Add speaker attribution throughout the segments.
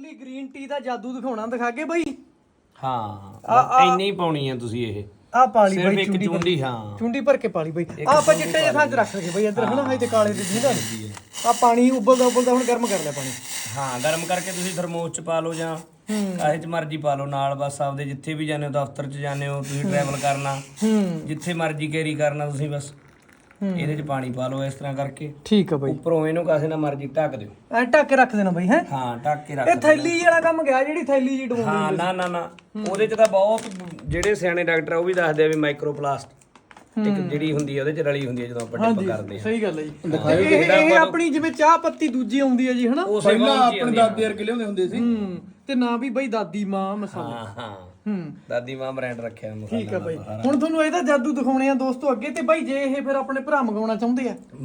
Speaker 1: ਵੀ green tea ਦਾ ਜਾਦੂ ਦਿਖਾਉਣਾ, ਦਿਖਾ ਕੇ ਬਾਈ।
Speaker 2: ਹਾਂ ਇੰਨੀ ਹੀ ਪਾਉਣੀ ਆ ਤੁਸੀਂ ਇਹ
Speaker 1: ਆ ਪਾਲੀ
Speaker 2: ਸਿਰਫ
Speaker 1: ਬਾਈ
Speaker 2: ਇੱਕ ਚੁੰਡੀ। ਹਾਂ
Speaker 1: ਚੁੰਡੀ ਭਰ ਕੇ ਪਾਲੀ ਬਾਈ। ਆ ਆਪਾਂ ਚਿੱਟੇ ਜਿਹੇ ਥਾਂ 'ਚ ਰੱਖ ਲਗੇ ਬਾਈ ਇੱਧਰ ਹਨਾ, ਤੇ ਕਾਲੇ ਦੀ ਦਿੰਦਾ ਨਹੀਂ। ਆ ਪਾਣੀ ਉਬਲਦਾ ਹੁਣ ਗਰਮ ਕਰ ਲਿਆ ਪਾਣੀ।
Speaker 2: ਹਾਂ ਗਰਮ ਕਰਕੇ ਤੁਸੀਂ ਥਰਮੋਸ ਚ ਪਾ ਲਓ ਜਾਂ ਕਾਹੇ ਚ ਮਰਜ਼ੀ ਪਾ ਲਓ ਨਾਲ। ਬਸ ਆਪਦੇ ਜਿੱਥੇ ਵੀ ਜਾਂਦੇ ਹੋ, ਦਫ਼ਤਰ ਚ ਜਾਂਦੇ ਹੋ ਤੁਸੀਂ, ਟਰੈਵਲ ਕਰਨਾ, ਜਿੱਥੇ ਮਰਜ਼ੀ ਕੈਰੀ ਕਰਨਾ ਤੁਸੀਂ, ਬਸ ਇਹਦੇ ਚ ਪਾਣੀ ਪਾ ਲਓ ਇਸ ਤਰ੍ਹਾਂ ਕਰਕੇ।
Speaker 1: ਠੀਕ ਆ ਬਾਈ।
Speaker 2: ਉੱਪਰੋਂ ਇਹਨੂੰ ਕਾਸੇ ਨਾਲ ਮਰਜ਼ੀ ਢੱਕ ਦਿਓ।
Speaker 1: ਐ ਢੱਕ ਕੇ ਰੱਖ ਦੇਣਾ ਬਾਈ ਹੈ।
Speaker 2: ਹਾਂ ਢੱਕ ਕੇ ਰੱਖ
Speaker 1: ਇਹ ਥੈਲੀ ਵਾਲਾ ਕੰਮ ਗਿਆ, ਜਿਹੜੀ ਥੈਲੀ ਜੀ ਡਵਾਉਂਦੇ।
Speaker 2: ਹਾਂ ਨਾ ਉਹਦੇ ਚ ਤਾਂ ਬਹੁਤ ਜਿਹੜੇ ਸਿਆਣੇ ਡਾਕਟਰ ਆ ਉਹ ਵੀ ਦੱਸਦੇ ਆ ਵੀ ਮਾਈਕਰੋਪਲਾਸਟ ਜਿਹੜੀ ਹੁੰਦੀ ਹੈ ਉਹਦੇ ਚ ਰਲੀ ਹੁੰਦੀ ਹੈ ਜਦੋਂ ਆਪਾਂ ਡਿਪ ਕਰਦੇ ਆ।
Speaker 1: ਸਹੀ ਗੱਲ ਹੈ ਜੀ। ਇਹ ਆਪਣੀ ਜਿਵੇਂ ਚਾਹ ਪੱਤੀ ਦੂਜੀ ਆਉਂਦੀ ਹੈ ਜੀ ਹਨਾ,
Speaker 3: ਪਹਿਲਾਂ ਆਪਣੇ ਦਾਦੇ ਵਰਗੇ ਲਿਆਉਂਦੇ ਹੁੰਦੇ ਸੀ।
Speaker 1: ਤੇ ਨਾ ਵੀ ਬਾਈ ਦਾਦੀ ਮਾਂ ਮਸਾਲਾ।
Speaker 2: ਹਾਂ ਦਾਦੀ ਮਾਂ ਬ੍ਰਾਂਡ ਰੱਖਿਆ ਮਸਾਲਾ।
Speaker 1: ਠੀਕ ਆ ਬਾਈ। ਹੁਣ ਤੁਹਾਨੂੰ ਇਹਦਾ ਜਾਦੂ ਦਿਖਾਉਣੇ ਆ ਦੋਸਤੋ ਅੱਗੇ। ਤੇ ਬਾਈ ਜੇ ਇਹ ਫਿਰ ਆਪਣੇ ਭਰਾ ਮੰਗਾਉਣਾ ਚਾਹੁੰਦੇ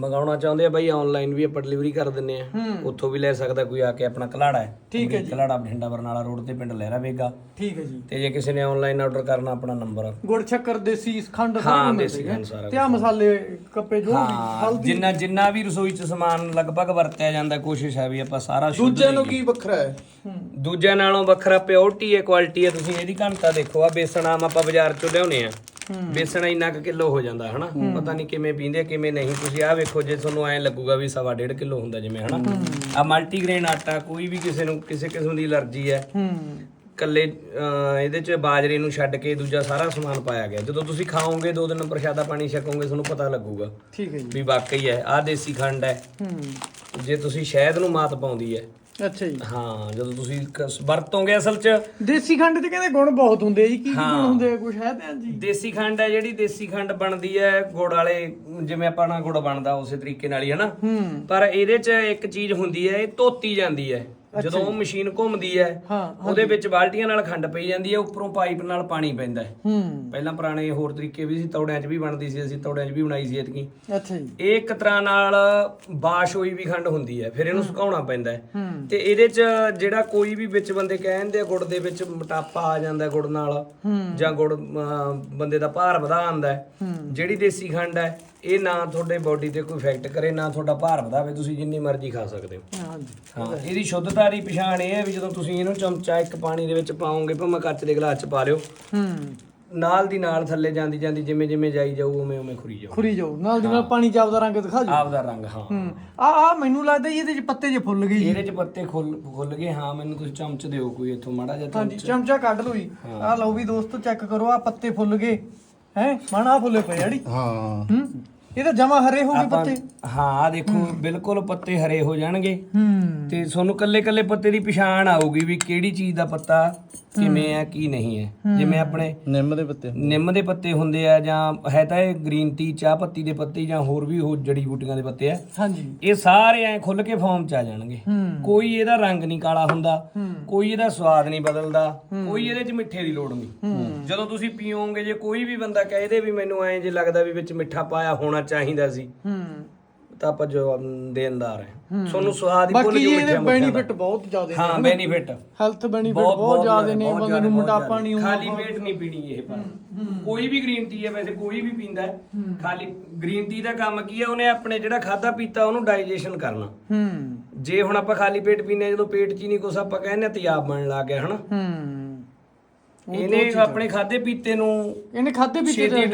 Speaker 1: ਆ
Speaker 2: ਬਾਈ ਆਨਲਾਈਨ ਵੀ ਆਪਾਂ ਡਿਲੀਵਰੀ ਕਰ ਦਿੰਨੇ ਆ, ਉੱਥੋਂ ਵੀ ਲੈ ਸਕਦਾ ਕੋਈ ਆ ਕੇ। ਆਪਣਾ ਕਲਾੜਾ ਹੈ,
Speaker 1: ਠੀਕ ਹੈ ਜੀ,
Speaker 2: ਕਲਾੜਾ ਬਠਿੰਡਾ ਬਰਨਾਲਾ ਰੋਡ ਤੇ, ਪਿੰਡ ਲਹਿਰਾ ਵੇਗਾ।
Speaker 1: ਠੀਕ ਹੈ ਜੀ।
Speaker 2: ਤੇ ਜੇ ਕਿਸੇ ਨੇ ਆਨਲਾਈਨ ਆਰਡਰ ਕਰਨਾ, ਆਪਣਾ ਨੰਬਰ
Speaker 1: ਗੁੜ ਸ਼ੱਕਰ ਦੇਸੀ ਖੰਡ
Speaker 2: ਹਾਂ ਦੇਸੀ ਖੰਡ ਸਾਰਾ
Speaker 1: ਤੇ ਆ ਮਸਾਲੇ ਕੱਪੇ ਜੋ ਵੀ ਹਲਦੀ
Speaker 2: ਜਿੰਨਾ ਵੀ ਰਸੋਈ ਚ ਸਮਾਨ ਲਗਭਗ ਵਰਤਿਆ ਜਾਂਦਾ, ਕੋਸ਼ਿਸ਼ ਹੈ ਵੀ ਆਪਾਂ ਸਾਰਾ ਸ਼ੁੱਧ।
Speaker 3: ਦੂਜਿਆਂ ਨੂੰ ਕੀ ਵੱਖਰਾ ਹੈ? ਦੂਜਿਆਂ
Speaker 2: ਨਾਲੋਂ ਵੱਖਰਾ ਪਿਓਰਟੀ ਹੈ, ਕੁਆਲਿਟੀ ਹੈ। ਤੁਸੀਂ ਇਹਦੀ ਘਣਤਾ ਦੇਖੋ। ਆ ਬੇਸਣ ਆਮ ਆਪਾਂ ਬਾਜ਼ਾਰ ਚੋਂ ਲਿਆਉਨੇ ਆ, ਬੇਸਣ ਇੰਨਾ ਕੁ ਕਿਲੋ ਹੋ ਜਾਂਦਾ ਹਨਾ, ਪਤਾ ਨਹੀਂ ਕਿਵੇਂ ਪੀਂਦੇ ਕਿਵੇਂ ਨਹੀਂ। ਤੁਸੀਂ ਆਹ ਵੇਖੋ, ਜੇ ਤੁਹਾਨੂੰ ਐਂ ਲੱਗੂਗਾ ਵੀ 1.5 ਕਿਲੋ ਹੁੰਦਾ ਜਿਵੇਂ ਹਨਾ। ਆ ਮਲਟੀਗ੍ਰੇਨ ਆਟਾ, ਕੋਈ ਵੀ ਕਿਸੇ ਨੂੰ ਕਿਸੇ ਕਿਸਮ ਦੀ ਅਲਰਜੀ ਹੈ, ਕੱਲੇ ਇਹਦੇ ਚ ਬਾਜਰੇ ਨੂੰ ਛੱਡ ਕੇ ਦੂਜਾ ਸਾਰਾ ਸਮਾਨ ਪਾਇਆ ਗਿਆ। ਜਦੋਂ ਤੁਸੀਂ ਖਾਓਗੇ 2 ਦਿਨ ਪ੍ਰਸ਼ਾਦਾ ਪਾਣੀ ਛਕੋਗੇ, ਤੁਹਾਨੂੰ ਪਤਾ ਲੱਗੂਗਾ
Speaker 1: ਠੀਕ ਹੈ ਜੀ
Speaker 2: ਵੀ ਵਾਕਈ ਹੈ। ਆਹ ਦੇਸੀ ਖੰਡ ਹੈ। ਜੇ ਤੁਸੀਂ ਸ਼ਹਿਦ ਨੂੰ ਮਾਤ ਪਾਉਂਦੀ ਹੈ।
Speaker 1: ਅੱਛਾ ਜੀ।
Speaker 2: ਹਾਂ ਜਦੋਂ ਤੁਸੀਂ ਵਰਤੋਗੇ, ਅਸਲ ਚ
Speaker 1: ਦੇਸੀ ਖੰਡ ਚ ਕਹਿੰਦੇ ਗੁਣ ਬਹੁਤ ਹੁੰਦੇ ਆ ਜੀ। ਕੀ ਗੁਣ ਹੁੰਦੇ ਆ ਕੁਛ ਹੈ ਤਾਂ ਜੀ?
Speaker 2: ਦੇਸੀ ਖੰਡ ਹੈ ਜਿਹੜੀ ਦੇਸੀ ਖੰਡ ਬਣਦੀ ਹੈ ਗੁੜ ਵਾਲੇ, ਜਿਵੇਂ ਆਪਣਾ ਗੁੜ ਬਣਦਾ ਉਸੇ ਤਰੀਕੇ ਨਾਲ ਹੀ ਹਨਾ। ਪਰ ਇਹਦੇ ਚ ਇੱਕ ਚੀਜ਼ ਹੁੰਦੀ ਹੈ, ਇਹ ਧੋਤੀ ਜਾਂਦੀ ਹੈ। ਜਦੋਂ ਉਹ ਮਸ਼ੀਨ ਘੁੰਮਦੀ ਹੈ, ਉਹਦੇ ਵਿੱਚ ਬਾਲਟੀਆਂ ਨਾਲ ਖੰਡ ਪਈ ਜਾਂਦੀ ਹੈ, ਉੱਪਰੋਂ ਪਾਈਪ ਨਾਲ ਪਾਣੀ ਪੈਂਦਾ ਹੈ। ਪਹਿਲਾਂ ਪੁਰਾਣੇ ਹੋਰ ਤਰੀਕੇ ਵੀ ਸੀ, ਤੌੜਿਆਂ 'ਚ ਵੀ ਬਣਦੀ ਸੀ, ਅਸੀਂ ਤੌੜਿਆਂ 'ਚ ਵੀ ਬਣਾਈ ਸੀ ਐਤਕੀ।
Speaker 1: ਅੱਛਾ ਜੀ।
Speaker 2: ਇਹ ਇੱਕ ਤਰ੍ਹਾਂ ਨਾਲ ਬਾਸ਼ ਹੋਈ ਵੀ ਖੰਡ ਹੁੰਦੀ ਹੈ, ਫਿਰ ਇਹਨੂੰ ਸੁਕਾਉਣਾ ਪੈਂਦਾ ਹੈ। ਤੇ ਇਹਦੇ 'ਚ ਜਿਹੜਾ ਕੋਈ ਵੀ ਵਿੱਚ ਬੰਦੇ ਕਹਿੰਦੇ ਆ ਗੁੜ ਦੇ ਵਿੱਚ ਮੋਟਾਪਾ ਆ ਜਾਂਦਾ ਗੁੜ ਨਾਲ, ਜਾਂ ਗੁੜ ਬੰਦੇ ਦਾ ਭਾਰ ਵਧਾ ਆਂਦਾ ਹੈ। ਜਿਹੜੀ ਦੇਸੀ ਖੰਡ ਹੈ, ਇਹ ਨਾ ਤੁਹਾਡੇ ਬੋਡੀ ਤੇ ਕੋਈ ਇਫੈਕਟ ਕਰੇ, ਨਾ ਤੁਹਾਡਾ ਭਾਰ ਵਧਾਵੇ, ਤੁਸੀਂ ਜਿੰਨੀ ਮਰਜ਼ੀ ਖਾ ਸਕਦੇ ਹੋ। ਹਾਂ ਇਹਦੀ ਸ਼ੁੱਧਤਾ ਦੀ ਪਛਾਣ ਇਹ ਹੈ ਵੀ ਜਦੋਂ ਤੁਸੀਂ ਇਹਨੂੰ ਚਮਚਾ ਇੱਕ ਪਾਣੀ ਦੇ ਵਿੱਚ ਪਾਓਗੇ, ਭਾਵੇਂ ਕੱਚ ਦੇ ਗਲਾਸ 'ਚ ਪਾ ਲਿਓ, ਨਾਲ ਦੀ ਨਾਲ ਥੱਲੇ ਜਾਂਦੀ ਜਾਂਦੀ ਜਿਵੇਂ ਜਿਵੇਂ ਜਾਈ ਜਾਊ ਉਵੇਂ ਉਵੇਂ ਖੁਰੀ ਜਾਊ
Speaker 1: ਨਾਲ ਦੀ ਨਾਲ ਪਾਣੀ ਚ ਆਪਦਾ ਰੰਗ ਦਿਖਾ ਜਾਊ।
Speaker 2: ਆਪਦਾ ਰੰਗ। ਹਾਂ
Speaker 1: ਆ ਮੈਨੂੰ ਲੱਗਦਾ ਜੀ ਇਹਦੇ ਚ ਪੱਤੇ ਜੇ ਫੁੱਲ ਗਏ।
Speaker 2: ਇਹਦੇ 'ਚ ਪੱਤੇ ਖੁੱਲ ਗਏ। ਹਾਂ ਮੈਨੂੰ ਤੁਸੀਂ ਚਮਚ ਦਿਓ ਕੋਈ ਇੱਥੋਂ ਮਾੜਾ ਜਿਹਾ।
Speaker 1: ਹਾਂਜੀ ਚਮਚਾ ਕੱਢ ਲਓ ਜੀ। ਆ ਲਓ ਵੀ ਦੋਸਤੋ ਚੈੱਕ ਕਰੋ, ਆ ਪੱਤੇ ਫੁੱਲ ਗਏ ਹੈ ਮਾਣਾ ਫੁੱਲੇ ਪਏ ਜਿਹੜੀ।
Speaker 3: ਹਾਂ
Speaker 1: ਇਹ ਤਾਂ ਜਮਾ ਹਰੇ ਹੋ ਗਏ ਪੱਤੇ।
Speaker 2: ਹਾਂ ਆ ਦੇਖੋ ਬਿਲਕੁਲ ਪੱਤੇ ਹਰੇ ਹੋ ਜਾਣਗੇ। ਤੇ ਤੁਹਾਨੂੰ ਕੱਲੇ ਕੱਲੇ ਪੱਤੇ ਦੀ ਪਛਾਣ ਆਊਗੀ ਵੀ ਕਿਹੜੀ ਚੀਜ਼ ਦਾ ਪੱਤਾ ਕਿਵੇਂ ਹੈ ਕੀ ਨਹੀਂ ਹੈ। ਜਿਵੇਂ ਆਪਣੇ ਨਿੰਮ ਦੇ ਪੱਤੇ ਹੁੰਦੇ ਆ, ਜਾਂ ਹੈ ਤਾਂ ਇਹ ਗ੍ਰੀਨ ਟੀ ਚਾਹ ਪੱਤੀ ਦੇ ਪੱਤੇ, ਜਾਂ ਹੋਰ ਵੀ ਉਹ ਜੜੀ ਬੂਟੀਆਂ ਦੇ ਪੱਤੇ ਆ।
Speaker 1: ਹਾਂਜੀ
Speaker 2: ਇਹ ਸਾਰੇ ਐ ਖੁੱਲ ਕੇ ਫਾਰਮ ਚ ਆ ਜਾਣਗੇ। ਕੋਈ ਇਹਦਾ ਰੰਗ ਨਹੀਂ ਕਾਲਾ ਹੁੰਦਾ, ਕੋਈ ਇਹਦਾ ਸਵਾਦ ਨਹੀਂ ਬਦਲਦਾ, ਕੋਈ ਇਹਦੇ ਚ ਮਿੱਠੇ ਦੀ ਲੋੜ ਨਹੀਂ। ਜਦੋਂ ਤੁਸੀਂ ਪੀਓਗੇ, ਜੇ ਕੋਈ ਵੀ ਬੰਦਾ ਕਹੇ ਦੇ ਵੀ ਮੈਨੂੰ ਐਂ ਜੇ ਲੱਗਦਾ ਵੀ ਵਿੱਚ ਮਿੱਠਾ ਪਾਇਆ ਹੋਣਾ ਚਾਹੀਦਾ ਸੀ, ਤਾਂ ਆਪਾਂ ਜੋ ਦੇਣਦਾਰ ਹੈ। ਤੁਹਾਨੂੰ ਸਵਾਦ ਹੀ ਭੁੱਲ ਜੂ ਮਿੱਠਾ।
Speaker 1: ਬੈਨੀਫਿਟ ਬਹੁਤ ਜ਼ਿਆਦਾ ਨੇ।
Speaker 2: ਹਾਂ ਬੈਨੀਫਿਟ,
Speaker 1: ਹੈਲਥ ਬੈਨੀਫਿਟ ਬਹੁਤ ਜ਼ਿਆਦਾ ਨੇ। ਬੰਦੇ ਨੂੰ ਮੋਟਾਪਾ ਨਹੀਂ ਹੁੰਦਾ।
Speaker 2: ਖਾਲੀ ਪੇਟ ਨਹੀਂ ਪੀਣੀ ਇਹ। ਪਰ ਕੋਈ ਵੀ ਗ੍ਰੀਨ ਟੀ ਹੈ, ਵੈਸੇ ਕੋਈ ਵੀ ਪੀਂਦਾ ਹੈ, ਖਾਲੀ ਗ੍ਰੀਨ ਟੀ ਦਾ ਕੰਮ ਕੀ ਹੈ, ਉਹਨੇ ਆਪਣੇ ਜਿਹੜਾ ਖਾਦਾ ਪੀਤਾ ਉਹਨੂੰ ਡਾਈਜੈਸ਼ਨ ਕਰਨਾ। ਜੇ ਹੁਣ ਆਪਾਂ ਖਾਲੀ ਪੇਟ ਪੀਨੇ, ਜਦੋਂ ਪੇਟ 'ਚ ਹੀ ਨਹੀਂ ਕੁਛ, ਆਪਾਂ ਕਹਿੰਦੇ ਤੇਜ਼ਾਬ ਬਣਨ ਲੱਗ ਗਿਆ ਹਨਾ। ਇਹਨੇ ਆਪਣੇ ਖਾਦੇ ਪੀਤੇ ਨੂੰ,
Speaker 1: ਇਹਨੇ ਖਾਦੇ ਪੀਤੇ